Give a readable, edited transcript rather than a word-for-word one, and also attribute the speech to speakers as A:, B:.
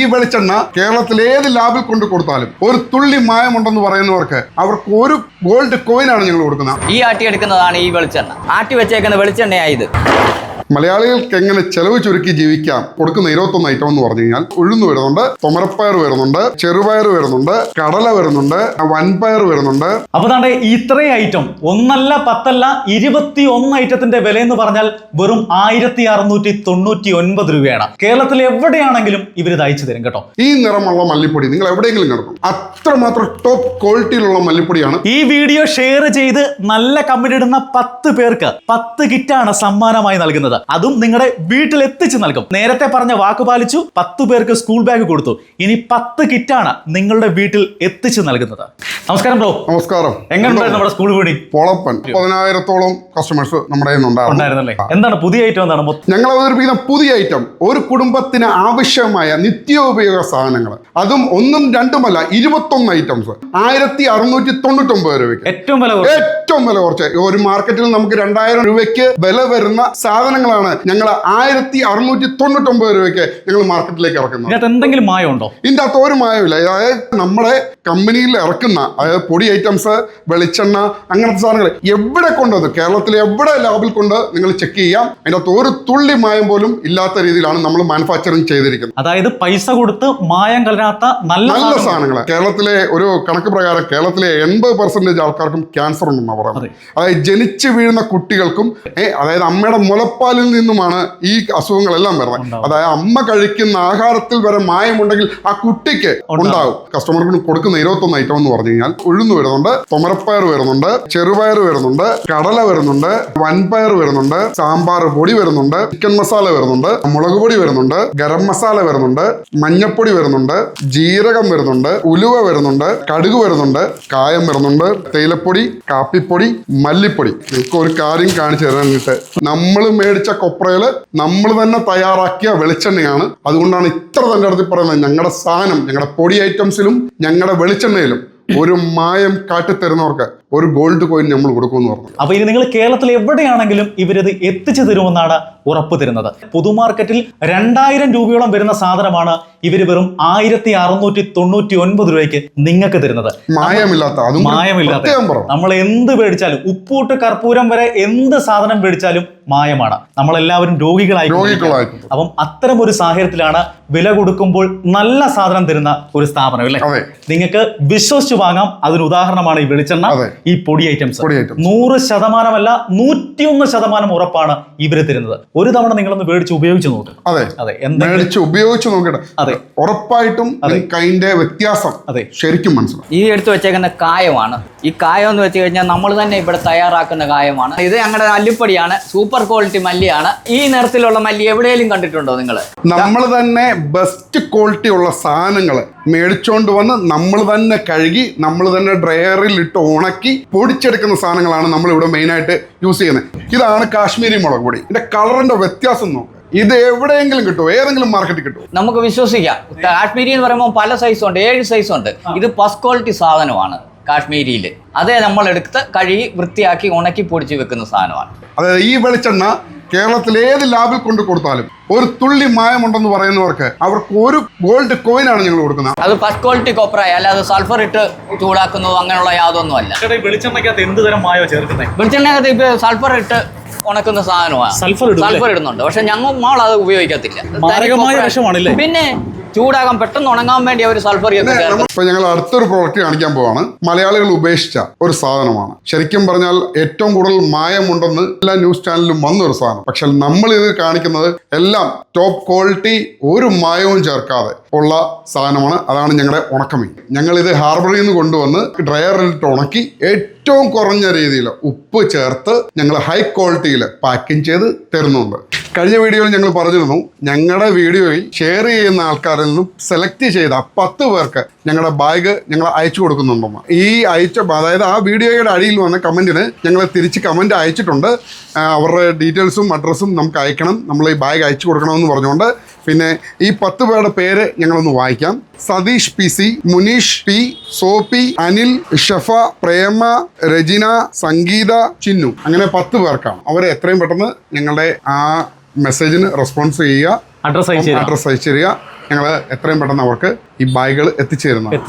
A: വെളിച്ചെണ്ണ കേരളത്തിൽ ഏത് ലാബിൽ കൊണ്ട് കൊടുത്താലും ഒരു തുള്ളി മായമുണ്ടെന്ന് പറയുന്നവർക്ക് അവർക്ക് ഒരു ഗോൾഡ് കോയിനാണ് ഞങ്ങൾ കൊടുക്കുന്നത്.
B: ഈ ആട്ടിയെടുക്കുന്നതാണ് ഈ വെളിച്ചെണ്ണ. ആട്ടി വെച്ചേക്കുന്ന വെളിച്ചെണ്ണയായത്.
A: മലയാളികൾക്ക് എങ്ങനെ ചെലവ് ചുരുക്കി ജീവിക്കാം കൊടുക്കുന്ന 21 ഐറ്റം എന്ന് പറഞ്ഞു കഴിഞ്ഞാൽ ഉഴുന്ന് വരുന്നുണ്ട്, തുമരപ്പയർ വരുന്നുണ്ട്, ചെറുപയർ വരുന്നുണ്ട്, കടല വരുന്നുണ്ട്, വൻപയർ വരുന്നുണ്ട്.
C: അപ്പൊ താണ്ടെ ഇത്രയും ഐറ്റം ഒന്നല്ല 10 അല്ല 21 ഐറ്റത്തിന്റെ വില എന്ന് പറഞ്ഞാൽ വെറും 1699 രൂപയാണ്. കേരളത്തിൽ എവിടെയാണെങ്കിലും ഇവരിത് അയച്ചു തരും കേട്ടോ.
A: ഈ നിറമുള്ള മല്ലിപ്പൊടി നിങ്ങൾ എവിടെയെങ്കിലും കിടക്കും, അത്രമാത്രം ടോപ്പ് ക്വാളിറ്റിയിലുള്ള മല്ലിപ്പൊടിയാണ്.
C: ഈ വീഡിയോ ഷെയർ ചെയ്ത് നല്ല കമന്റ് ഇടുന്ന 10 പേർക്ക് 10 കിറ്റാണ് സമ്മാനമായി നൽകുന്നത്. അതും നിങ്ങളുടെ വീട്ടിൽ എത്തിച്ചു നൽകും. നേരത്തെ പറഞ്ഞ വാക്ക് പാലിച്ചു. 10 പേർക്ക് സ്കൂൾ ബാഗ് കൊടുത്തു. ഇനി 10 കിറ്റാണ് നിങ്ങളുടെ വീട്ടിൽ എത്തിച്ചു നൽകുന്നത്. നമസ്കാരം ബ്രോ.
A: നമസ്കാരം.
C: എങ്ങനെയുണ്ടായിരുന്നു നമ്മുടെ സ്കൂൾ വീടി?
A: പൊളപ്പൻ. 10,000-ഓളം കസ്റ്റമേഴ്സ് നമ്മുടെ
C: ഉണ്ടായിരുന്നല്ലേ? എന്താണ് പുതിയ ഐറ്റം? എന്താണ്
A: ഞങ്ങൾ അവതരിപ്പിക്കുന്ന പുതിയ ഐറ്റം? ഒരു കുടുംബത്തിന് ആവശ്യമായ നിത്യോപയോഗ സാധനങ്ങൾ, അതും ഒന്നും രണ്ടുമല്ല 21 ഐറ്റംസ് 1699 രൂപയ്ക്ക്. ഏറ്റവും വില കുറച്ച്. ഒരു മാർക്കറ്റിൽ നമുക്ക് 2000 രൂപയ്ക്ക് വില വരുന്ന സാധനങ്ങളാണ് ഞങ്ങൾ 1699 രൂപയ്ക്ക് ഞങ്ങൾ മാർക്കറ്റിലേക്ക് ഇറക്കുന്നത്.
C: എന്തെങ്കിലും മായം ഉണ്ടോ?
A: ഇതിന്റെ അകത്ത് ഒരു മായമില്ല. അതായത് നമ്മുടെ കമ്പനിയിൽ ഇറക്കുന്ന അതായത് പൊടി ഐറ്റംസ്, വെളിച്ചെണ്ണ, അങ്ങനത്തെ സാധനങ്ങൾ എവിടെ കൊണ്ടുവന്ന് കേരളത്തിലെ എവിടെ ലാബിൽ കൊണ്ട് നിങ്ങൾ ചെക്ക് ചെയ്യാം. അതിന്റെ അകത്ത് ഒരു തുള്ളി മായം പോലും ഇല്ലാത്ത രീതിയിലാണ് നമ്മൾ മാനുഫാക്ചറിങ് ചെയ്തിരിക്കുന്നത്.
C: അതായത് പൈസ കൊടുത്ത് മായം കലരാത്ത നല്ല
A: സാധനങ്ങൾ. കേരളത്തിലെ ഒരു കണക്ക് പ്രകാരം കേരളത്തിലെ 80% ആൾക്കാർക്കും ക്യാൻസർ ഉണ്ടെന്നാണ് പറയുന്നത്. അതായത് ജനിച്ചു വീഴുന്ന കുട്ടികൾക്കും അതായത് അമ്മയുടെ മുലപ്പാലിൽ നിന്നുമാണ് ഈ അസുഖങ്ങളെല്ലാം വരുന്നത്. അതായത് അമ്മ കഴിക്കുന്ന ആഹാരത്തിൽ വരെ മായമുണ്ടെങ്കിൽ ആ കുട്ടിക്ക് ഉണ്ടാകും. കസ്റ്റമർക്ക് കൊടുക്കുന്ന 21 ഐറ്റം എന്ന് പറഞ്ഞു കഴിഞ്ഞാൽ ഉഴുന്ന് വരുന്നുണ്ട്, തുമരപ്പയർ വരുന്നുണ്ട്, ചെറുപയർ വരുന്നുണ്ട്, കടല വരുന്നുണ്ട്, വൻപയർ വരുന്നുണ്ട്, സാമ്പാർ പൊടി വരുന്നുണ്ട്, ചിക്കൻ മസാല വരുന്നുണ്ട്, മുളക് പൊടി വരുന്നുണ്ട്, ഗരം മസാല വരുന്നുണ്ട്, മഞ്ഞപ്പൊടി വരുന്നുണ്ട്, ജീരകം വരുന്നുണ്ട്, ഉലുവ വരുന്നുണ്ട്, കടുക് വരുന്നുണ്ട്, കായം വരുന്നുണ്ട്, തേയിലപ്പൊടി, കാപ്പിപ്പൊടി, മല്ലിപ്പൊടി. നിങ്ങൾക്ക് ഒരു കാര്യം കാണിച്ചു തരാനായിട്ട്, നമ്മൾ മേടിച്ച കൊപ്രയില് നമ്മൾ തന്നെ തയ്യാറാക്കിയ വെളിച്ചെണ്ണയാണ്. അതുകൊണ്ടാണ് ഇത്ര തന്നെ അടുത്ത് പറയുന്നത്, ഞങ്ങളുടെ സാധനം ഞങ്ങളുടെ പൊടി ഐറ്റംസിലും ഞങ്ങളുടെ വെളിച്ചെണ്ണയിലും ഒരു മായം കാട്ടിത്തരുന്നവർക്ക് ഒരു ഗോൾഡ് കോയിൻ നമ്മൾ കൊടുക്കുമെന്ന് പറഞ്ഞു.
C: അപ്പൊ ഇനി നിങ്ങൾ കേരളത്തിൽ എവിടെയാണെങ്കിലും ഇവരിത് എത്തിച്ചു തരുമെന്നാണ് ഉറപ്പ് തരുന്നത്. പൊതുമാർക്കറ്റിൽ 2000 രൂപയോളം വരുന്ന സാധനമാണ് ഇവര് വെറും 1699 രൂപയ്ക്ക് നിങ്ങൾക്ക് തരുന്നത്.
A: മായമില്ലാത്ത
C: നമ്മൾ എന്ത് മേടിച്ചാലും, ഉപ്പൂട്ട് കർപ്പൂരം വരെ എന്ത് സാധനം മേടിച്ചാലും മായമാണ്. നമ്മളെല്ലാവരും രോഗികളായി. അപ്പം അത്തരം ഒരു സാഹചര്യത്തിലാണ് വില കൊടുക്കുമ്പോൾ നല്ല സാധനം തരുന്ന ഒരു സ്ഥാപനം അല്ലേ? നിങ്ങൾക്ക് വിശ്വസിച്ച് വാങ്ങാം. അതിന് ഉദാഹരണമാണ് ഈ വെളിച്ചെണ്ണ, ഈ പൊടി ഐറ്റംസ്. 100% 101% ഉറപ്പാണ് ഇവര് തരുന്നത്. ഒരു തവണ നിങ്ങളൊന്ന് മേടിച്ച് ഉപയോഗിച്ച് നോക്കുക.
A: ഉപയോഗിച്ച് നോക്കട്ടെ. അതെ, ഉറപ്പായിട്ടും അതിന്റെ വ്യത്യാസം ശരിക്കും മനസ്സിലാവും.
B: ഈ എടുത്തു വെച്ചേക്കുന്ന കായമാണ്. ഈ കായം എന്ന് വെച്ച് കഴിഞ്ഞാൽ നമ്മൾ തന്നെ ഇവിടെ തയ്യാറാക്കുന്ന കായമാണ്. ഇത് ഞങ്ങളുടെ മല്ലിപ്പൊടിയാണ്. Super quality മല്ലിയാണ്. ഈ നിറത്തിലുള്ള മല്ലി എവിടെയെങ്കിലും കണ്ടിട്ടുണ്ടോ നിങ്ങൾ?
A: നമ്മൾ തന്നെ ബെസ്റ്റ് ക്വാളിറ്റി ഉള്ള സാധനങ്ങൾ മേടിച്ചോണ്ട് വന്ന് നമ്മൾ തന്നെ കഴുകി നമ്മൾ തന്നെ ഡ്രയറിൽ ഇട്ട് ഉണക്കി പൊടിച്ചെടുക്കുന്ന സാധനങ്ങളാണ് നമ്മൾ ഇവിടെ മെയിനായിട്ട് യൂസ് ചെയ്യുന്നത്. ഇതാണ് കാശ്മീരി മുളക് പൊടി. ഇതിന്റെ കളറിന്റെ വ്യത്യാസം നോക്കുക. ഇത് എവിടെയെങ്കിലും കിട്ടുമോ? ഏതെങ്കിലും മാർക്കറ്റിൽ കിട്ടുമോ?
B: നമുക്ക് വിശ്വസിക്കാം. കാശ്മീരി എന്ന് പറയുമ്പോൾ പല സൈസുണ്ട്, 7 സൈസുണ്ട്. ഇത് ഫസ്റ്റ് ക്വാളിറ്റി സാധനമാണ് കാശ്മീരിയിൽ. അതേ നമ്മൾ എടുത്ത് കഴുകി വൃത്തിയാക്കി ഉണക്കി പൊടിച്ച് വെക്കുന്ന സാധനമാണ്.
A: അതായത് ഈ വെളിച്ചെണ്ണ കേരളത്തിൽ ഏത് ലാബിൽ കൊണ്ട് കൊടുത്താലും ഒരു തുള്ളി മായമുണ്ടെന്ന് പറയുന്നവർക്ക് അവർക്ക് ഒരു ഗോൾഡ് കോയിനാണ് ഞങ്ങൾ കൊടുക്കുന്നത്.
B: അത് ഫസ്റ്റ് ക്വാളിറ്റി കൊപ്രായ, അല്ലാതെ സൾഫർ ഇട്ട് ചൂടാക്കുന്നതോ അങ്ങനെയുള്ള യാതൊന്നും അല്ല.
C: വെളിച്ചെണ്ണയ്ക്കകത്ത് എന്ത് തരം മായോ ചേർക്കുന്നത്?
B: വെളിച്ചെണ്ണയ്ക്കകത്ത് ഇപ്പൊ സൾഫർ ഇട്ട് ഉണക്കുന്ന സാധനമാണ്. സൾഫർ ഇടുന്നുണ്ട്. പക്ഷെ ഞങ്ങൾ അത് ഉപയോഗിക്കത്തില്ല. പിന്നെ ചൂടാകാൻ പെട്ടെന്ന് ഉണങ്ങാൻ വേണ്ടി അവർ സൾഫർ
A: ഇപ്പൊ ഞങ്ങൾ അടുത്തൊരു പ്രോഡക്റ്റ് കാണിക്കാൻ പോവാണ്. മലയാളികൾ ഉപേക്ഷിച്ച ഒരു സാധനമാണ്. ശരിക്കും പറഞ്ഞാൽ ഏറ്റവും കൂടുതൽ മായമുണ്ടെന്ന് എല്ലാ ന്യൂസ് ചാനലിലും വന്നൊരു സാധനം. പക്ഷെ നമ്മൾ ഇത് കാണിക്കുന്നത് എല്ലാം ടോപ്പ് ക്വാളിറ്റി, ഒരു മായവും ചേർക്കാതെ ഉള്ള സാധനമാണ്. അതാണ് ഞങ്ങളുടെ ഉണക്കമീൻ. ഞങ്ങൾ ഇത് ഹാർബറിൽ നിന്ന് കൊണ്ടുവന്ന് ഡ്രയറിലിട്ട് ഉണക്കി ഏറ്റവും കുറഞ്ഞ രീതിയിൽ ഉപ്പ് ചേർത്ത് ഞങ്ങൾ ഹൈ ക്വാളിറ്റിയിൽ പാക്കിംഗ് ചെയ്ത് തരുന്നുണ്ട്. കഴിഞ്ഞ വീഡിയോയിൽ ഞങ്ങൾ പറഞ്ഞിരുന്നു, ഞങ്ങളുടെ വീഡിയോയിൽ ഷെയർ ചെയ്യുന്ന ആൾക്കാരിൽ നിന്നും സെലക്ട് ചെയ്ത 10 പേർക്ക് ഞങ്ങളുടെ ബാഗ് ഞങ്ങൾ അയച്ചു കൊടുക്കുന്നുണ്ടെന്ന്. ഈ അതായത് ആ വീഡിയോയുടെ അടിയിൽ വന്ന കമൻറ്റിന് ഞങ്ങൾ തിരിച്ച് കമൻറ്റ് അയച്ചിട്ടുണ്ട്. അവരുടെ ഡീറ്റെയിൽസും അഡ്രസ്സും നമുക്ക് അയക്കണം, നമ്മൾ ഈ ബാഗ് അയച്ചു കൊടുക്കണമെന്ന് പറഞ്ഞുകൊണ്ട്. പിന്നെ ഈ 10 പേരുടെ പേര് ഞങ്ങളൊന്ന് വായിക്കാം. Satheesh PC, Muneesh P, Soppi, Anil, Shafa, Prema, Rajina, Sangeetha, Chinnu. അങ്ങനെ 10 പേർക്കാണ്. അവരെ എത്രയും പെട്ടെന്ന് ഞങ്ങളുടെ ആ മെസ്സേജിന് റെസ്പോൺസ് ചെയ്യുക, അഡ്രസ് അയച്ചു തരിക. ഞങ്ങൾ എത്രയും പെട്ടെന്ന് അവർക്ക് ഈ ബാഗുകൾ എത്തിച്ചു തരുന്നതാണ്.